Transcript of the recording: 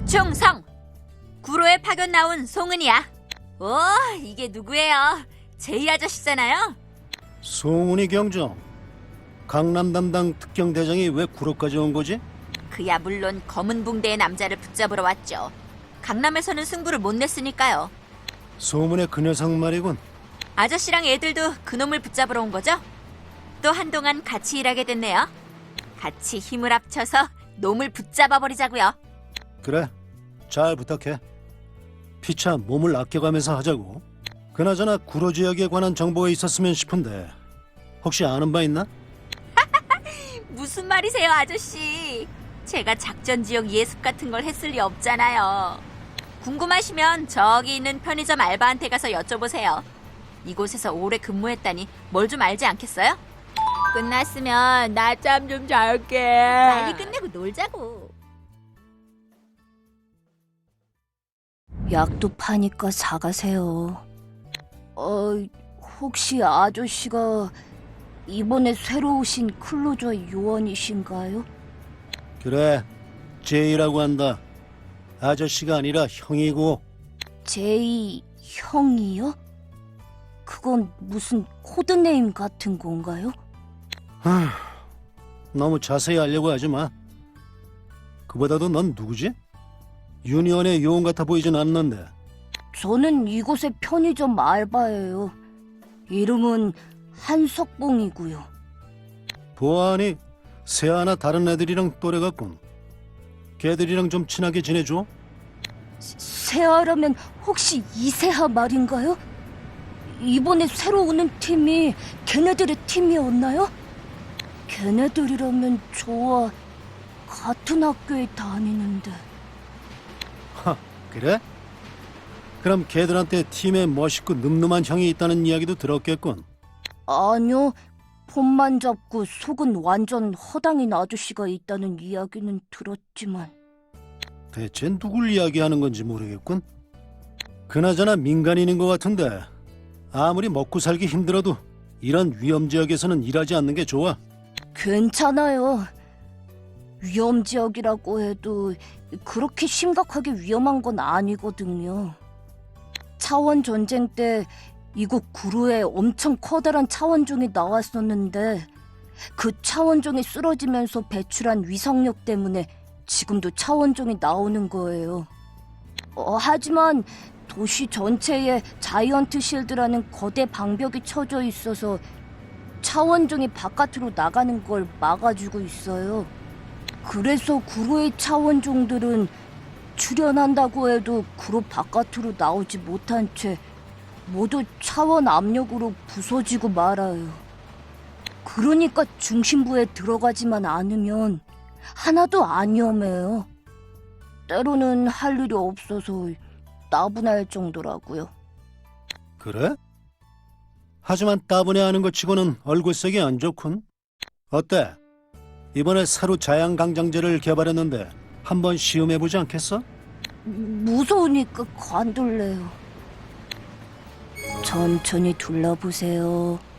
충성! 구로에 파견 나온 송은이야. 오, 이게 누구예요? 제이 아저씨잖아요? 송은이 경정, 강남 담당 특경대장이 왜 구로까지 온 거지? 그야 물론 검은 붕대의 남자를 붙잡으러 왔죠. 강남에서는 승부를 못 냈으니까요. 소문의 그 녀석 말이군. 아저씨랑 애들도 그놈을 붙잡으러 온 거죠? 또 한동안 같이 일하게 됐네요. 같이 힘을 합쳐서 놈을 붙잡아버리자고요. 그래, 잘 부탁해. 피차 몸을 아껴가면서 하자고. 그나저나 구로 지역에 관한 정보가 있었으면 싶은데 혹시 아는 바 있나? 무슨 말이세요, 아저씨? 제가 작전 지역 예습 같은 걸 했을 리 없잖아요. 궁금하시면 저기 있는 편의점 알바한테 가서 여쭤보세요. 이곳에서 오래 근무했다니 뭘 좀 알지 않겠어요? 끝났으면 낮잠 좀 잘게. 빨리 끝내고 놀자고. 약도 파니까 사가세요. 혹시 아저씨가 이번에 새로 오신 클로저 요원이신가요? 그래, 제이라고 한다. 아저씨가 아니라 형이고. 제이 형이요? 그건 무슨 코드네임 같은 건가요? 너무 자세히 알려고 하지 마. 그보다도 넌 누구지? 유니언의 요원 같아 보이진 않는데. 저는 이곳의 편의점 알바예요. 이름은 한석봉이고요. 보아하니 세아나 다른 애들이랑 또래 같군. 걔들이랑 좀 친하게 지내줘. 세아라면 혹시 이세아 말인가요? 이번에 새로 오는 팀이 걔네들의 팀이었나요? 걔네들이라면 저와 같은 학교에 다니는데. 그래? 그럼 걔들한테 팀에 멋있고 늠름한 형이 있다는 이야기도 들었겠군. 아니요, 폰만 잡고 속은 완전 허당인 아저씨가 있다는 이야기는 들었지만. 대체 누굴 이야기하는 건지 모르겠군. 그나저나 민간인인 것 같은데 아무리 먹고 살기 힘들어도 이런 위험 지역에서는 일하지 않는 게 좋아. 괜찮아요. 위험지역이라고 해도 그렇게 심각하게 위험한 건 아니거든요. 차원 전쟁 때 이곳 구로에 엄청 커다란 차원종이 나왔었는데 그 차원종이 쓰러지면서 배출한 위성력 때문에 지금도 차원종이 나오는 거예요. 하지만 도시 전체에 자이언트 실드라는 거대 방벽이 쳐져 있어서 차원종이 바깥으로 나가는 걸 막아주고 있어요. 그래서 구로의 차원종들은 출현한다고 해도 구로 바깥으로 나오지 못한 채 모두 차원 압력으로 부서지고 말아요. 그러니까 중심부에 들어가지만 않으면 하나도 안 위험해요. 때로는 할 일이 없어서 따분할 정도라고요. 그래? 하지만 따분해하는 것 치고는 얼굴색이 안 좋군. 어때? 이번에 새로 자양강장제를 개발했는데 한번 시험해보지 않겠어? 무서우니까 관둘래요. 천천히 둘러보세요.